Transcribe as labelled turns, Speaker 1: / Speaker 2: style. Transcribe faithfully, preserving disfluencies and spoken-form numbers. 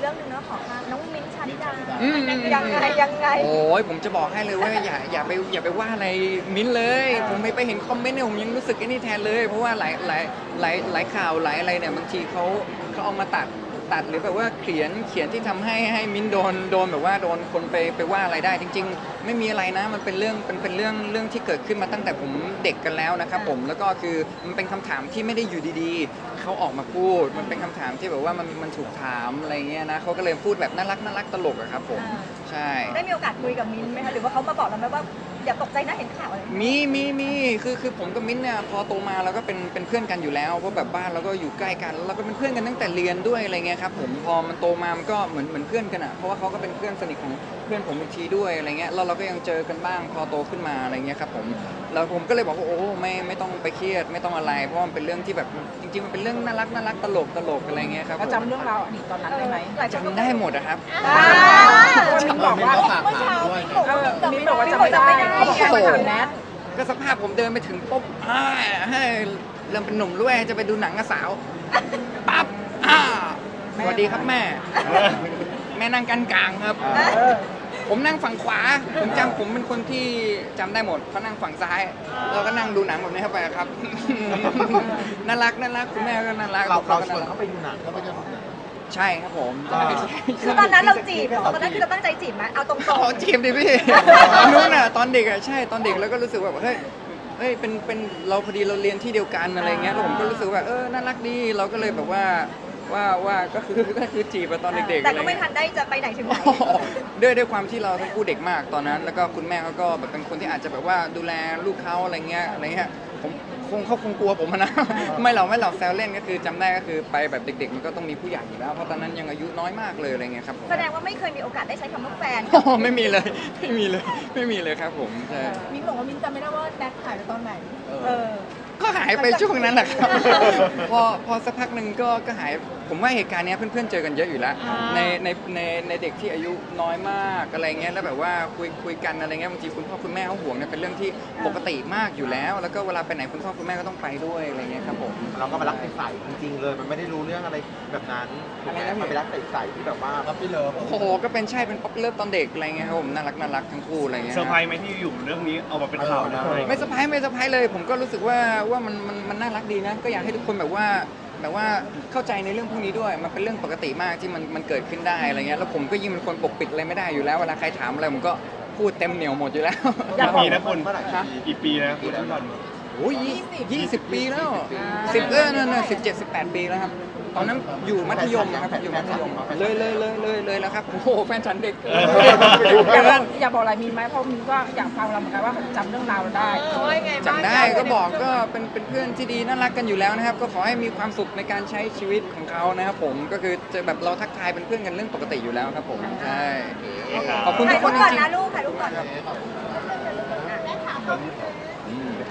Speaker 1: รื่องหนึ่งเนาะขอค่ะน้องมิ้นท์ชาลิดา
Speaker 2: อืม
Speaker 1: ยังไงยังไง
Speaker 2: โอ้ยผมจะบอกให้เลยว่าอย่าอย่าไปอย่าไปว่าอะไรมิ้นเลย ผมไปไปเห็นคอมเมนต์เนี่ยผมยังรู้สึกไอ้นี่แทนเลย เพราะว่าหลายหลายหลายหลายข่าวหลายอะไรเนี่ยบางทีเขาเขาเอามาตัดตัดหรือแบบว่าเขียนเขียนที่ทำให้ให้มิ้นโดนโดนแบบว่าโดนคนไปไปว่าอะไรได้ จริง ๆ ไม่มีอะไรนะมันเป็นเรื่องเป็นเป็นเรื่องเรื่องที่เกิดขึ้นมาตั้งแต่ผมเด็กกันแล้วนะครับผมแล้วก็คือมันเป็นคำถามที่ไม่ได้อยู่ดีๆเขาออกมาพูด มันเป็นคำถามที่แบบว่ามันมันถูกถามอะไรเงี้ยนะเขาก็เลยพูดแบบน่ารักน่ารักตลกอะครับผมใช่
Speaker 1: ได้มีโอกาสคุยกับมิ้นท์ไหมคะหรือว่าเขามาบอกเราไหมว่าอย่าตกใจนะเห็นข่าวอะไร
Speaker 2: มีมีมีคือคือผมกับมิ้นท์เนี่ยพอโตมาเราก็เป็นเป็นเพื่อนกันอยู่แล้วเพราะแบบบ้านเราก็อยู่ใกล้กันแล้วเราก็เป็นเพื่อนกันตั้งแต่เรียนด้วยอะไรเงี้ยครับผมพอมันโตมามันก็เหมือนเหมือนเพื่อนกันอ่ะเพราะว่าเขาก็เป็นเพื่อนสนิทของเพื่อนผมอีกทีด้วยอะไรเงี้ยแล้วเราก็ยังเจอกันบ้างพอโตขึ้นมาอะไรเงี้ยครับผมแล้วผมก็เลยบอกว่าโอ้ไม่ไม่ต้องไปเครียดไม่ต้องอะไรเพราะมันเป็นเรื่องที่แบบจริงๆมันเป็นเรื่องน่ารักน่ารักตลกตลกอะไรเงี้ยครับ
Speaker 3: ก็จำเรื่องราวอดีตตอนนั้นได้ไหม
Speaker 1: หลายคนก็
Speaker 2: จำได้หมดนะครับ
Speaker 1: อ่า
Speaker 3: มิ้นบอกว่า
Speaker 1: เมื่อเช้ามิ้นบอก
Speaker 3: เอ
Speaker 1: ว่า
Speaker 3: อ
Speaker 1: มิ้น
Speaker 3: มิ้น
Speaker 1: บบ อ
Speaker 3: อก ก
Speaker 1: ว่า
Speaker 3: ว่า
Speaker 1: จำ
Speaker 3: จำ
Speaker 1: ไม่
Speaker 3: ไม่
Speaker 1: ได้
Speaker 3: ได้
Speaker 1: เขา
Speaker 3: เขา
Speaker 1: บบ อ
Speaker 3: อก ก
Speaker 1: ว่า
Speaker 3: ว่า
Speaker 1: ถา
Speaker 3: ถาม ม
Speaker 1: แน
Speaker 3: แน
Speaker 1: ท
Speaker 3: ท
Speaker 2: ก็สภาพผมเดินไปถึงปุ๊บอ่าให้เริ่มเป็นหนุ่มด้วยจะไปดูหนังกับสาวปั๊บอ่าสวัสดีครับแม่ แม่นั่งกันกลางครับ ผมนั่งฝั่งขวา ผมจำผมเป็นคนที่จำได้หมดเขานั่งฝั่งซ้าย เราก็นั่งดูหนังแบบนี้เข้าไปครับ น่ารักน่ารักคุณแม่ก็น่ารัก
Speaker 4: เราเราช
Speaker 2: ก็
Speaker 4: วน
Speaker 2: น่รัก
Speaker 4: เขาไปดูหนังเขาไปดูหนัง
Speaker 2: ใช่ครับผมใช่ใช่
Speaker 1: คือตอนนั้นเราจีบเหรอตอนนั้นคือเราตั้งใจจีบไหมเอาตรง
Speaker 2: ขอจีบดิพี่ ตอนนู้นอ่ะตอนเด็กอ่ะใช่ตอนเด็กแล้วก็รู้สึกว่าเฮ้ยเฮ้ยเป็นเป็นเราพอดีเราเรียนที่เดียวกันอะไรเงี้ยแล้วผมก็รู้สึกว่าเออน่ารักดีเราก็เลยแบบว่าว่าว่าก็คือก็คือจีบอะตอนเด็กๆ
Speaker 1: แต่
Speaker 2: อะไร
Speaker 1: ก็ไม่
Speaker 2: เงี้ย
Speaker 1: ทันได้จะไปไหนถึงไหน
Speaker 2: ด้วยด้วยความที่เราทั้งคู่เด็กมากตอนนั้น แล้วก็คุณแม่เขาก็แบบเป็นคนที่อาจจะแบบว่าดูแลลูกเขาอะไรเงี้ยอะไรเงี้ยผมคงเขาคงกลัวผมอะนะ ไม่หรอกไม่หรอกแซวเล่นก็คือจำได้ก็คือไปแบบเด็ก ๆ มันก็ต้องมีผู้ใหญ่อยู่แล้วเพราะตอนนั้นยังอายุน้อยมากเลยอะไรเงี้ยครับผม
Speaker 1: แสดงว่าไม่เคยมีโอกาสได้ใช้คำว่าแฟน
Speaker 2: อ๋อไม่มีเลยไม่มีเลยไม่มีเลยครับผมใช่
Speaker 3: มิ้นบอกว่ามิ้นจำไม่ได้ว่าแนทถ่ายไปตอนไหน
Speaker 1: เออ
Speaker 2: ก็หายไปช่วงนั้นแหละครับ พอพอสักพักหนึ่งก็ก็หายผมว่าเหตุการณ์เนี้ยเพื่อนๆเจอกันเยอะอยู่แล้ว
Speaker 3: อ่า
Speaker 2: ในในในในเด็กที่อายุน้อยมากอะไรเงี้ยแล้วแบบว่าคุยคุยกันอะไรเงี้ยบางทีคุณพ่อคุณแม่เขาห่วงเนี่ยเป็นเรื่องที่ปกติมากอยู่แล้ว แล้วก็เวลาไปไหนคุณพ่อคุณแม่ก็ต้องไปด้วยอะไรเงี้ยครับผม
Speaker 4: เราก็มารักใสๆจริงๆเลย มันไม่ได้รู้เรื่องอะไรแบบนั้นถูกไหมมันเป็นรักใสๆที่แบบว่ารับพี่เลิฟ
Speaker 2: โอ้โหก็เป็นใช่เป็นป๊อปเลิฟตอนเด็กอะไรเงี้ยครับผมน่ารักน่ารักทั้งคู่อะไรเงี้ย
Speaker 5: เซอร์ไพรส์ไหมที่อยู่เรื่องนี้เอามาเป็นข่าวได้
Speaker 2: ไม่เซอร์ไพรส์ไม่เซอร์ไพรส์เลย ผมก็รู้สึกว่าว่ามันมันมันน่ารักดีนะก็อยากให้ทุกคนแบบว่าแบบว่าเข้าใจในเรื่องพวกนี้ด้วยมันเป็นเรื่องปกติมากที่มันมันเกิดขึ้นได้อะไรเงี้ยแล้วผมก็ยิ่งเป็นคนปกปิดอะไรไม่ได้อยู่แล้วเวลาใครถามอะไรผมก็พูดเต็มเหนียวหมดอยู่แล้ว
Speaker 3: อยาก
Speaker 5: กี่
Speaker 3: บอก
Speaker 5: ปีนะคุณ
Speaker 4: เมื่อไหร่
Speaker 2: ฮะ
Speaker 5: กี่ปีนะคุณที่บอล
Speaker 2: โอ้ยยี่สิบปีแล้วสิบเออนั่นน่ะสิบเจ็ดสิบแปดปีแล้วครับตอนนั้นอยู่มัธยมนะครับอยู่มัธยมเลยเลยเลยเลยเลยแล้วครับโอ้โหแฟนฉันเด็ก
Speaker 3: อยากบอกอยากบอกอะไรมิ้นไหมเพราะมิ้นก็อยากฟังเราเหมือนกันว่าจำเรื่องราวเราได้
Speaker 2: จำได้ก็บอกก็เป็นเป็นเพื่อนที่ดีน่ารักกันอยู่แล้วนะครับ ก็ขอให้มีความสุขในการใช้ชีวิตของเขานะครับผมก็คือจะแบบเราทักทายเป็นเพื่อนกันเรื่องปกติอยู่แล้วครับผมใช่ขอบคุณ
Speaker 1: ถ่า
Speaker 2: ทุ
Speaker 1: ย
Speaker 2: กค
Speaker 1: รูปก่อน
Speaker 2: นจริง
Speaker 1: นะลูกถ่ายรูปก่อน
Speaker 2: ๆอืม